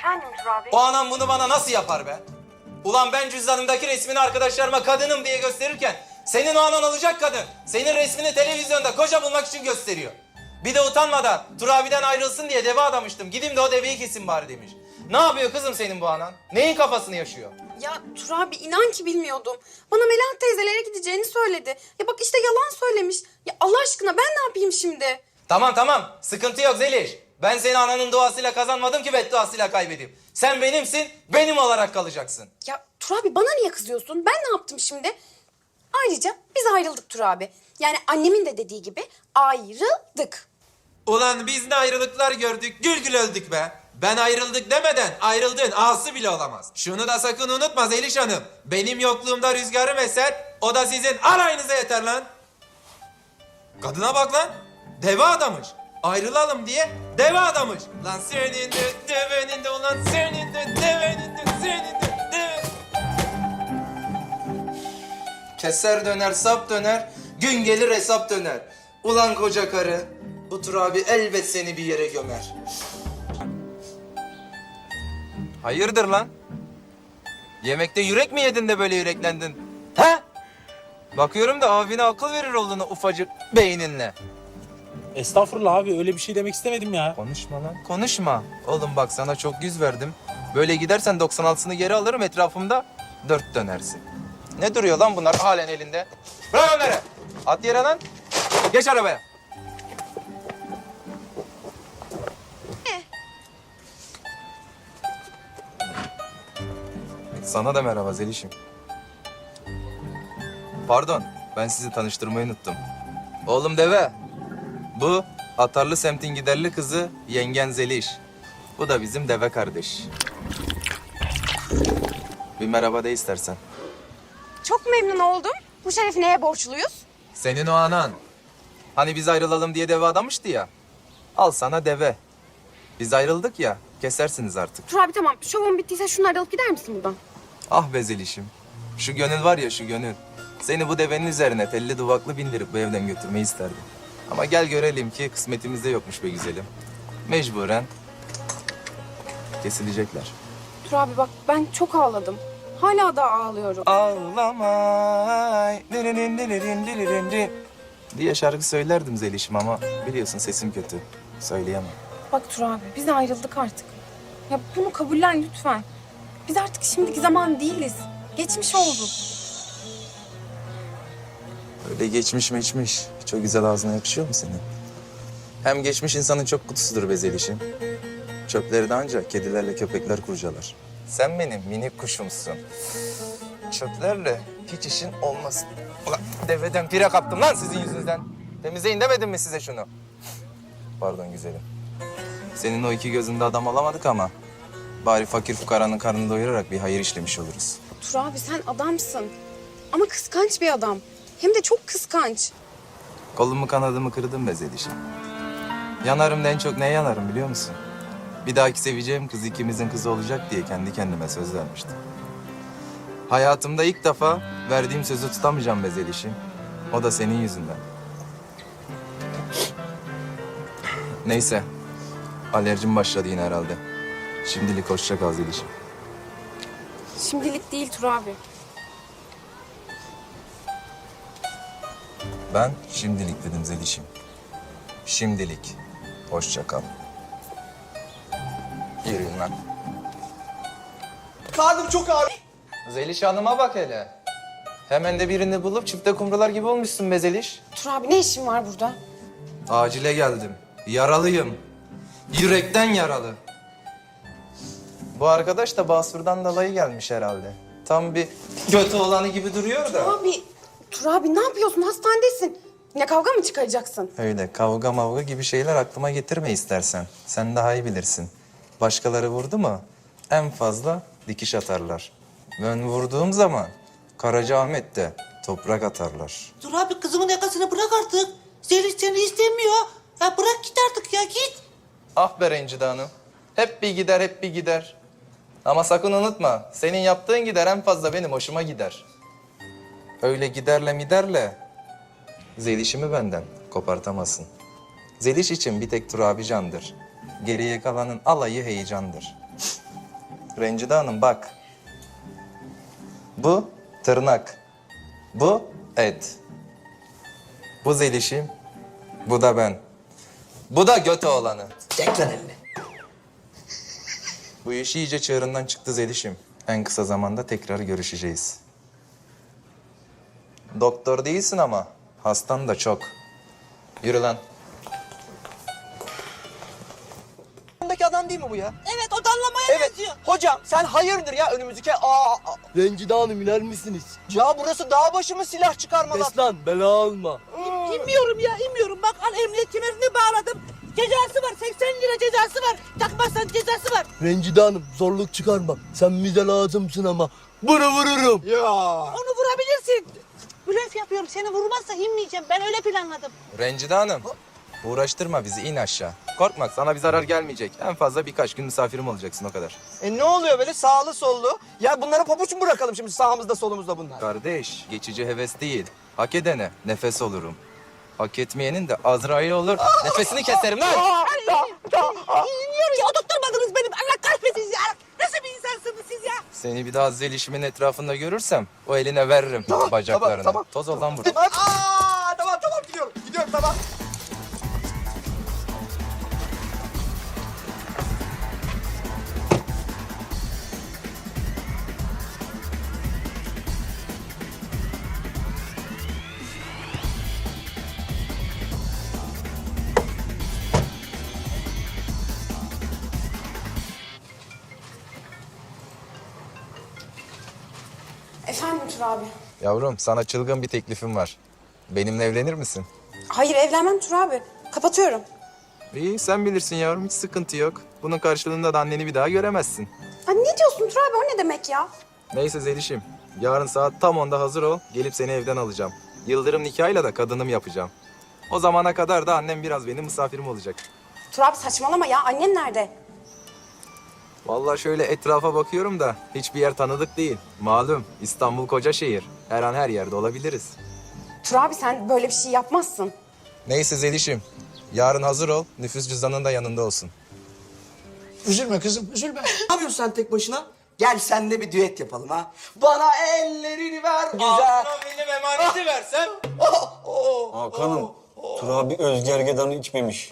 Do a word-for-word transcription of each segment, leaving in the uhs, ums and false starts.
Efendim Tur abi? O anam bunu bana nasıl yapar be? Ulan ben cüzdanımdaki resmini arkadaşlarıma kadınım diye gösterirken senin o anan olacak kadın senin resmini televizyonda koca bulmak için gösteriyor. Bir de utanmadan Tur abiden ayrılsın diye deve adamıştım. Gideyim de o deveyi kesin bari demiş. Ne yapıyor kızım senin bu anan? Neyin kafasını yaşıyor? Ya Tur abi inan ki bilmiyordum. Bana Melahat teyzelere gideceğini söyledi. Ya bak işte yalan söylemiş. Ya Allah aşkına ben ne yapayım şimdi? Tamam tamam sıkıntı yok Zeliş. Ben seni ananın duasıyla kazanmadım ki bedduasıyla kaybedeyim. Sen benimsin, benim olarak kalacaksın. Ya Tur abi bana niye kızıyorsun? Ben ne yaptım şimdi? Ayrıca biz ayrıldık Tur abi. Yani annemin de dediği gibi ayrıldık. Ulan biz ne ayrılıklar gördük, gül gül öldük be. Ben ayrıldık demeden ayrıldığın ağası bile olamaz. Şunu da sakın unutma Zeliş Hanım. Benim yokluğumda rüzgarım eser, o da sizin alayınıza yeter lan. Kadına bak lan, deve adamış. Ayrılalım diye deve adamış. Lan senin de devenin de ulan senin de devenin de senin de deve. Keser döner sap döner, gün gelir hesap döner. Ulan koca karı, bu Tur abi elbet seni bir yere gömer. Hayırdır lan? Yemekte yürek mi yedin de böyle yüreklendin? He? Bakıyorum da abine akıl verir olduğunu ufacık beyninle. Estağfurullah abi öyle bir şey demek istemedim ya. Konuşma lan. Konuşma. Oğlum bak sana çok yüz verdim. Böyle gidersen doksan altısını geri alırım etrafımda dört dönersin. Ne duruyor lan bunlar halen elinde? Bırak onları. At yere lan. Geç arabaya. Sana da merhaba Zeliş'im. Pardon, ben sizi tanıştırmayı unuttum. Oğlum deve. Bu Atarlı semtin giderli kızı yengen Zeliş. Bu da bizim deve kardeş. Bir merhaba de istersen. Çok memnun oldum. Bu şerefi neye borçluyuz? Senin o anan. Hani biz ayrılalım diye deve adamıştı ya. Al sana deve. Biz ayrıldık ya, kesersiniz artık. Tur abi tamam şovun bittiyse şunları alıp gider misin buradan? Ah be Zeliş'im. Şu gönül var ya şu gönül. Seni bu devenin üzerine telli duvaklı bindirip bu evden götürmeyi isterdim. Ama gel görelim ki kısmetimizde yokmuş be güzelim. Mecburen kesilecekler. Tur abi bak ben çok ağladım. Hala da ağlıyorum. Ağlamay diririn diririn diririn di- diye şarkı söylerdim Zeliş'im ama biliyorsun sesim kötü. Söyleyemem. Bak Tur abi biz ayrıldık artık. Ya bunu kabullen lütfen. Biz artık şimdiki zaman değiliz. Geçmiş oldu. Öyle geçmiş meçmiş. Çok güzel ağzına yakışıyor mu senin? Hem geçmiş insanın çok kutusudur be Zeliş'im. Çöpleri de ancak kedilerle köpekler kurcalar. Sen benim minik kuşumsun. Çöplerle hiç işin olmasın. Ulan deveden pire kaptım lan sizin yüzünüzden. Temizleyin demedim mi size şunu? Pardon güzelim. Senin o iki gözünde adam alamadık ama... bari fakir fukaranın karnını doyurarak bir hayır işlemiş oluruz. Tur abi sen adamsın. Ama kıskanç bir adam. Hem de çok kıskanç. Kolumu kanadımı kırdım be Zeliş'im. Yanarım da en çok neye yanarım biliyor musun? Bir dahaki seveceğim kız ikimizin kızı olacak diye kendi kendime söz vermiştim. Hayatımda ilk defa verdiğim sözü tutamayacağım be Zeliş'im. O da senin yüzünden. Neyse. Alerjim başladı yine herhalde. Şimdilik hoşça kal Zeliş'im. Şimdilik değil Tur abi. Ben şimdilik dedim Zeliş'im. Şimdilik. Hoşça kal. Yürüyün lan. Karnım çok ağrıyor. Zeliş Hanım'a bak hele. Hemen de birini bulup çifte kumrular gibi olmuşsun be Zeliş. Tur abi ne işin var burada? Acile geldim. Yaralıyım. Yürekten yaralı. Bu arkadaş da Basur'dan dolayı gelmiş herhalde. Tam bir götü olanı gibi duruyor da. Abi, Tur abi ne yapıyorsun? Hastanedesin. Yine kavga mı çıkaracaksın? Öyle kavga mavga gibi şeyler aklıma getirme istersen. Sen daha iyi bilirsin. Başkaları vurdu mu en fazla dikiş atarlar. Ben vurduğum zaman Karacaahmet'te toprak atarlar. Dur abi kızımın yakasını bırak artık. Zeliş seni istemiyor. Ya bırak git artık ya git. Ah be Rencide Hanım. Hep bir gider, hep bir gider. Ama sakın unutma, senin yaptığın gider en fazla benim hoşuma gider. Öyle giderle miderle Zeliş'imi benden kopartamazsın. Zeliş için bir tek Tur abi candır. Geriye kalanın alayı heyecandır. Rencide Hanım bak. Bu tırnak. Bu et. Bu Zeliş'im. Bu da ben. Bu da göt oğlanı. Çek lan elini. Bu iş iyice çığırından çıktı Zeliş'im. En kısa zamanda tekrar görüşeceğiz. Doktor değilsin ama hastan da çok. Yürü lan. Yanındaki adam değil mi bu ya? Evet o dallamaya Evet. benziyor. Hocam sen hayırdır ya önümüzdeki... Aa, aa. Rencide Hanım iner misiniz? Ya burası dağ başı mı silah çıkarmalar? Kes lan bela alma. İnmiyorum ya inmiyorum. Bak al emniyet kemerini bağladım. Cezası var seksen lira cezası var. Takmazsan cezası var. Rencide Hanım zorluk çıkarma. Sen bize lazımsın ama bunu vururum. Ya. Onu vurabilirsin. Blöf yapıyorum. Seni vurmazsa inmeyeceğim. Ben öyle planladım. Rencide Hanım. Uğraştırma bizi, in aşağı. Korkma, sana bir zarar gelmeyecek. En fazla birkaç gün misafirim olacaksın, o kadar. E ne oluyor böyle sağlı sollu? Ya bunlara pabuç mu bırakalım şimdi sağımızda solumuzda bunlar? Kardeş, geçici heves değil. Hak edene nefes olurum. Hak etmeyenin de Azrail olur. Nefesini keserim lan! İnmiyorum ya. Oturtmadınız benim. Allah kahretsin ya. Nasıl bir insansınız siz ya? Seni bir daha zelişimin etrafında görürsem o eline veririm bacaklarını. tamam, tamam. Toz ol lan vur. Aa, tamam tamam gidiyorum. Gidiyorum tamam. Efendim Tur abi. Yavrum, sana çılgın bir teklifim var. Benimle evlenir misin? Hayır evlenmem Tur abi. Kapatıyorum. İyi, sen bilirsin yavrum, hiç sıkıntı yok. Bunun karşılığında da anneni bir daha göremezsin. Ha, ne diyorsun Tur abi, o ne demek ya? Neyse Zeliş'im, yarın saat tam onda hazır ol. Gelip seni evden alacağım. Yıldırım nikahıyla da kadınım yapacağım. O zamana kadar da annem biraz benim misafirim olacak. Tur abi saçmalama ya, annen nerede? Vallahi şöyle etrafa bakıyorum da hiçbir yer tanıdık değil. Malum İstanbul koca şehir. Her an her yerde olabiliriz. Tur abi sen böyle bir şey yapmazsın. Neyse Zeliş'im, yarın hazır ol. Nüfus cüzdanın da yanında olsun. Üzülme kızım üzülme. Ne yapıyorsun sen tek başına? Gel senle bir düet yapalım ha. Bana ellerini ver. Güzel. benim emaneti versem. Hakan'ım, Tur abi Özgergedan'ı içmemiş.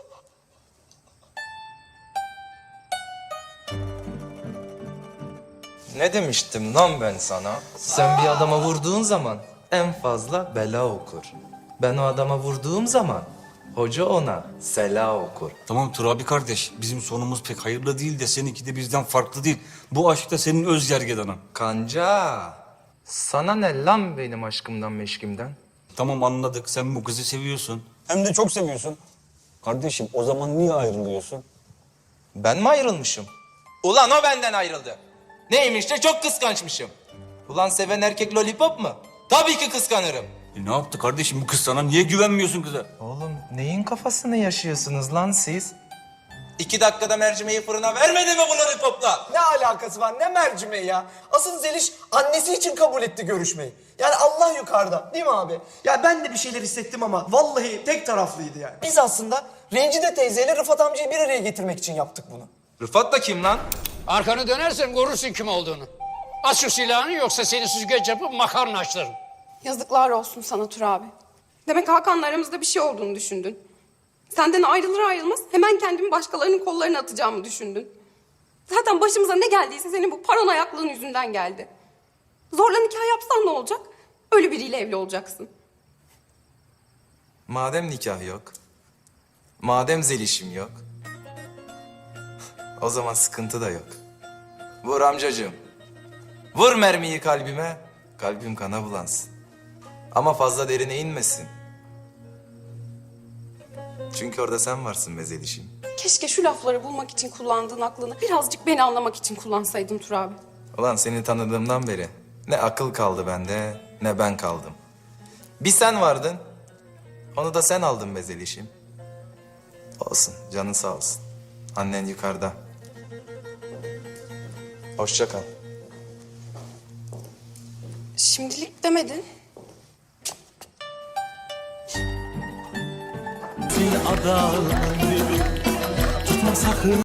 Ne demiştim lan ben sana? Sen bir adama vurduğun zaman en fazla bela okur. Ben o adama vurduğum zaman hoca ona sela okur. Tamam Tur abi kardeş, bizim sonumuz pek hayırlı değil de seninki de bizden farklı değil. Bu aşk da senin Özgergedan'ın. Kanca, sana ne lan benim aşkımdan meşkimden? Tamam anladık, sen bu kızı seviyorsun. Hem de çok seviyorsun. Kardeşim o zaman niye ayrılıyorsun? Ben mi ayrılmışım? Ulan o benden ayrıldı. Neymiş de çok kıskançmışım. Ulan seven erkek lollipop mu? Tabii ki kıskanırım. E ne yaptı kardeşim bu kız sana? Niye güvenmiyorsun kıza? Oğlum neyin kafasını yaşıyorsunuz lan siz? İki dakikada mercimeği fırına vermedi mi bu lollipopla? Ne alakası var ne mercimeği ya? Asıl Zeliş annesi için kabul etti görüşmeyi. Yani Allah yukarıda değil mi abi? Ya ben de bir şeyler hissettim ama vallahi tek taraflıydı yani. Biz aslında Rencide teyzeyle Rıfat amcayı bir araya getirmek için yaptık bunu. Rıfat da kim lan? Arkanı dönersen görürsün kim olduğunu. Aç şu silahını yoksa seni süzgeç yapıp makarna açlarım. Yazıklar olsun sana Tur abi. Demek Hakan'la aramızda bir şey olduğunu düşündün. Senden ayrılır ayrılmaz hemen kendimi başkalarının kollarına atacağımı düşündün. Zaten başımıza ne geldiyse senin bu paranoyaklığın yüzünden geldi. Zorla nikah yapsan ne olacak? Ölü biriyle evli olacaksın. Madem nikah yok, madem zelişim yok, o zaman sıkıntı da yok. Vur amcacığım, vur mermiyi kalbime, kalbim kana bulansın. Ama fazla derine inmesin. Çünkü orada sen varsın be zelişim. Keşke şu lafları bulmak için kullandığın aklını birazcık beni anlamak için kullansaydın Tur abi. Ulan seni tanıdığımdan beri ne akıl kaldı bende, ne ben kaldım. Bir sen vardın, onu da sen aldın be zelişim. Olsun, canın sağ olsun. Annen yukarıda. Hoşça kal. Şimdilik demedin. Fil adamı tutma sakın.